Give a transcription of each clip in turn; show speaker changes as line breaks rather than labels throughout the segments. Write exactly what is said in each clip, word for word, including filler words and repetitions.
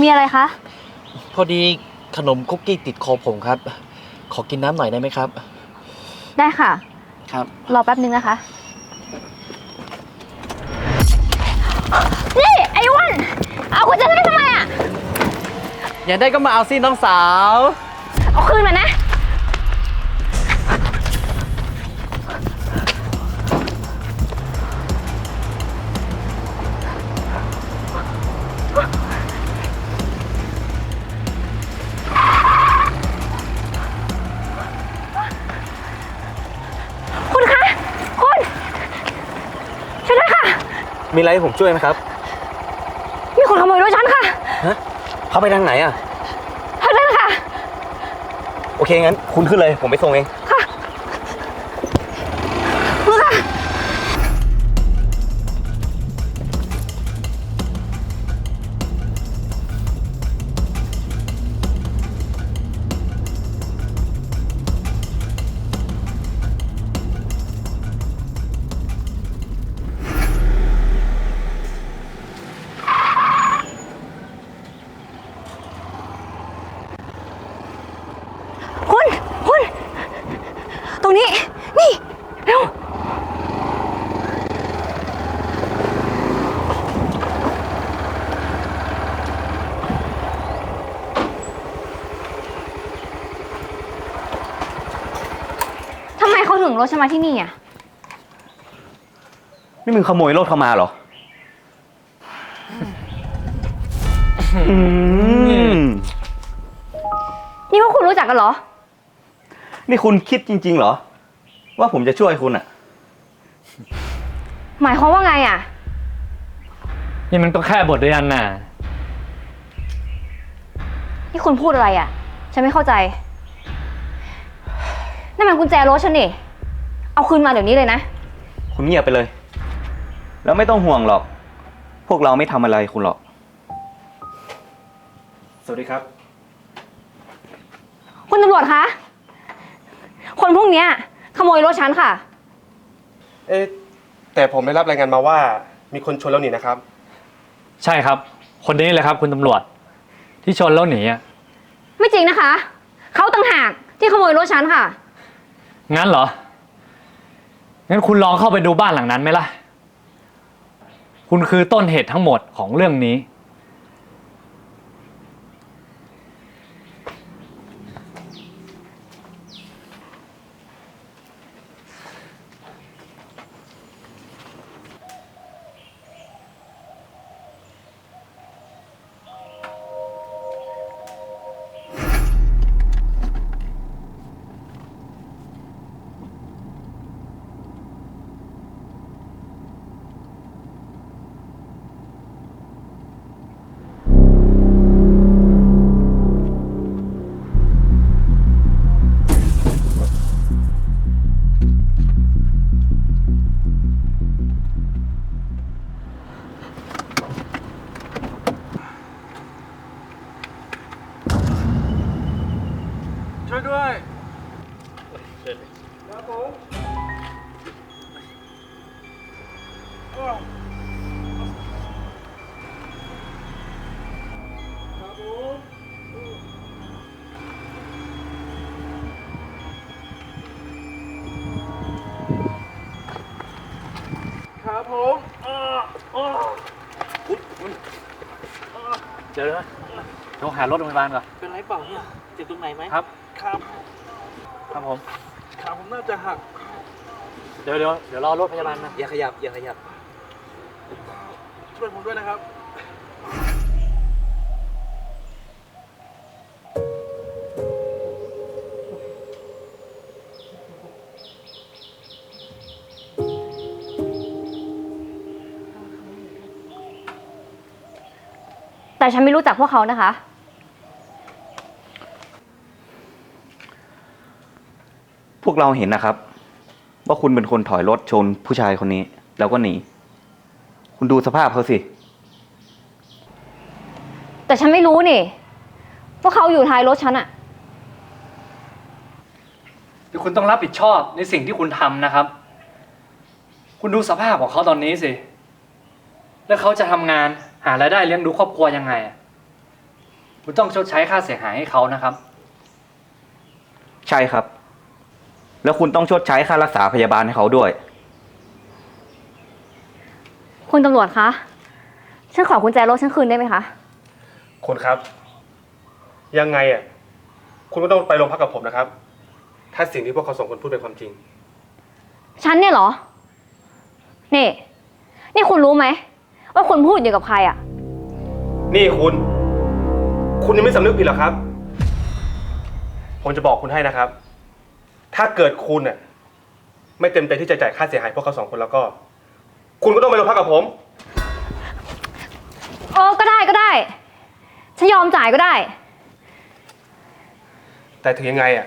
มีอะไรคะ
พอดีขนมคุกกี้ติดคอผมครับขอกินน้ำหน่อยได้ไหมครับ
ได้ค่ะ
ครับ
รอแป๊บนึงนะคะนี่ไอ้อ้วนเอากุญแจฉันไปทำไมอ่ะ
อยากได้ก็มาเอาสิน้องสาว
เอาคืนมานะคุณคะคุณช่วยด้วยค่ะ
มีอะไรให้ผมช่วยไหมครับ
มีคนขโมยรถฉันค่ะ
ฮะเขาไปทางไหนอ่ะ
ทางนั้นค่ะ
โอเคงั้นคุณขึ้นเลยผมไปส่งเอง
ค่ะคุณค่ะคุณคุณตรงนี้นี่เร็วทำไมเขาถึงรถฉันมาที่นี่อ่ะ
นี่มึงขโมยรถเข้ามาเหรออืม
นี่พวกคุณรู้จักกันเหรอ
นี่คุณคิดจริงๆเหรอว่าผมจะช่วยคุณอ่ะ
หมายความว่าไงอ่ะ
นี่มันก็แค่บทเรียนน่ะ
นี่คุณพูดอะไรอ่ะฉันไม่เข้าใจนั่นมันกุญแจรถฉันนี่เอาคืนมาเดี๋ยวนี้เลยนะ
คุณเงียบไปเลยแล้วไม่ต้องห่วงหรอกพวกเราไม่ทำอะไรคุณหรอกสวัสดีครับ
คุณตำรวจคะคนพวกนี้ขโมยรถฉันค่ะ
เอ๊ะแต่ผมได้รับรายงานมาว่ามีคนชนแล้วหนีนะครับ
ใช่ครับคนนี้เลยครับคุณตำรวจที่ชนแล้วหนีอ่ะ
ไม่จริงนะคะเขาต่างหากที่ขโมยรถฉันค่ะ
งั้นเหรองั้นคุณลองเข้าไปดูบ้านหลังนั้นไหมล่ะคุณคือต้นเหตุทั้งหมดของเรื่องนี้
ช่วยด้วยครับผมครับผมครับผม
เดี๋ยวนะโทรหารถโรงพยาบาลก่อน
เป็นไรเปล่าเนี่ยเจ็บตรงไหนไหม
ครับ
ครับ
ครับผม
ขาผมน่าจะหัก
เดี๋ยวเดี๋ยวเดี๋ยวรอรถพยาบาลมา
อย่าขยับอย่าขยับ
ช่วยผมด้วยนะครับ
แต่ฉันไม่รู้จักพวกเขานะคะ
พวกเราเห็นนะครับว่าคุณเป็นคนถอยรถชนผู้ชายคนนี้แล้วก็หนีคุณดูสภาพเขาสิ
แต่ฉันไม่รู้นี่ว่าเขาอยู่ท้ายรถฉันอะ
เดี๋ยวคุณต้องรับผิดชอบในสิ่งที่คุณทำนะครับคุณดูสภาพของเขาตอนนี้สิแล้วเขาจะทำงานหารายได้เลี้ยงดูครอบครัวยังไงคุณต้องชดใช้ค่าเสียหายให้เขานะครับ
ใช่ครับ แล้วคุณต้องชดใช้ค่ารักษาพยาบาลให้เขาด้วย
คุณตำรวจคะ ฉันขอกุญแจรถฉันคืนได้ไหมคะ
คุณครับ ยังไงอ่ะคุณก็ต้องไปโรงพักกับผมนะครับ ถ้าสิ่งที่พวกเขาสองคนพูดเป็นความจริง
ฉันเนี่ยเหรอ นี่ นี่คุณรู้ไหมว่าคุณพูดอยู่กับใครอะ
นี่คุณ คุณยังไม่สำนึกผิดหรอครับ ผมจะบอกคุณให้นะครับ ถ้าเกิดคุณน่ะไม่เต็มใจที่จะจ่ายค่าเสียหายพวกเขาสองคนแล้วก็ คุณก็ต้องไปโรงพักกับผม
เออ ก็ได้ก็ได้ ฉันยอมจ่ายก็ได้
แต่ถึงยังไงอ่ะ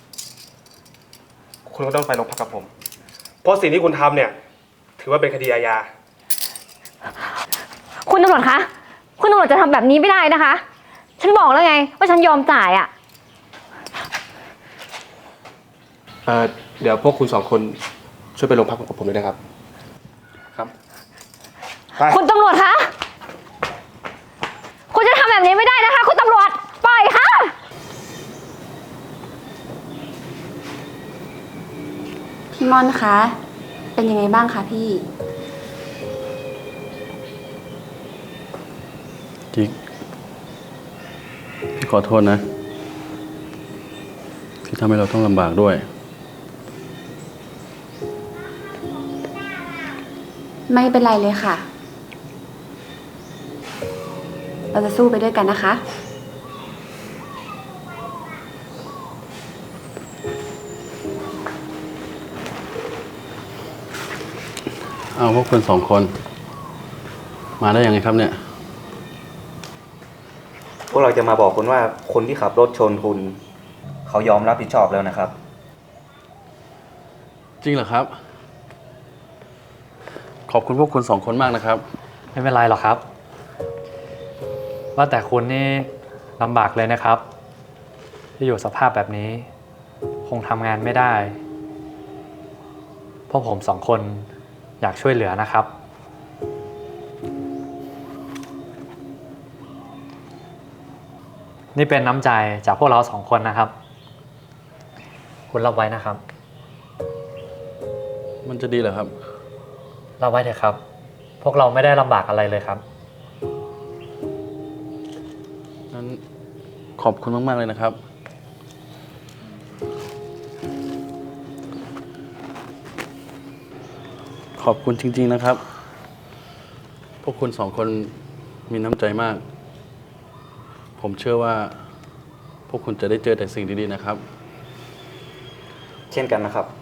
คุณก็ต้องไปโรงพักกับผม เพราะสิ่งที่คุณทำเนี่ย ถือว่าเป็นคดีอาญา
คุณตำรวจคะ คุณตำรวจจะทำแบบนี้ไม่ได้นะคะ ฉันบอกแล้วไงว่าฉันยอมจ่ายอะ
เอ่อ เดี๋ยวพวกคุณสองคนช่วยไปโรงพักกับผมด้วยนะครับ ครับ ไป
คุณตำรวจคะ คุณจะทำแบบนี้ไม่ได้นะคะ คุณตำรวจ ปล่อยค่ะ
พี่ม่อนคะ เป็นยังไงบ้างคะพี่
จิ๊กพี่ขอโทษนะ ที่ทำให้เราต้องลำบากด้วย
ไม่เป็นไรเลยค่ะ เราจะสู้ไปด้วยกันนะคะ
เอาพวกคุณสองคน มาได้ยังไงครับเนี่ย
พวกเราจะมาบอกคุณว่าคนที่ขับรถชนคุณ เขายอมรับผิดชอบแล้วนะครับ
จริงเหรอครับ ขอบคุณพวกคุณสองคนมากนะครับ
ไม่เป็นไรหรอกครับ ว่าแต่คุณนี่ลำบากเลยนะครับ ที่อยู่สภาพแบบนี้ คงทำงานไม่ได้เพราะผมสองคนอยากช่วยเหลือนะครับ นี่เป็นน้ำใจจากพวกเราสองคนนะครับ คุณรับไว้นะครับ
มันจะดีเหรอครับ
รับไว้เถอะครับ พวกเราไม่ได้ลำบากอะไรเลยครับ
นั้นขอบคุณมากๆเลยนะครับ ขอบคุณจริงๆนะครับ พวกคุณสองคนมีน้ำใจมาก ผมเชื่อว่า พวกคุณจะได้เจอแต่สิ่งดีๆนะครับ
เช่นกันนะครับ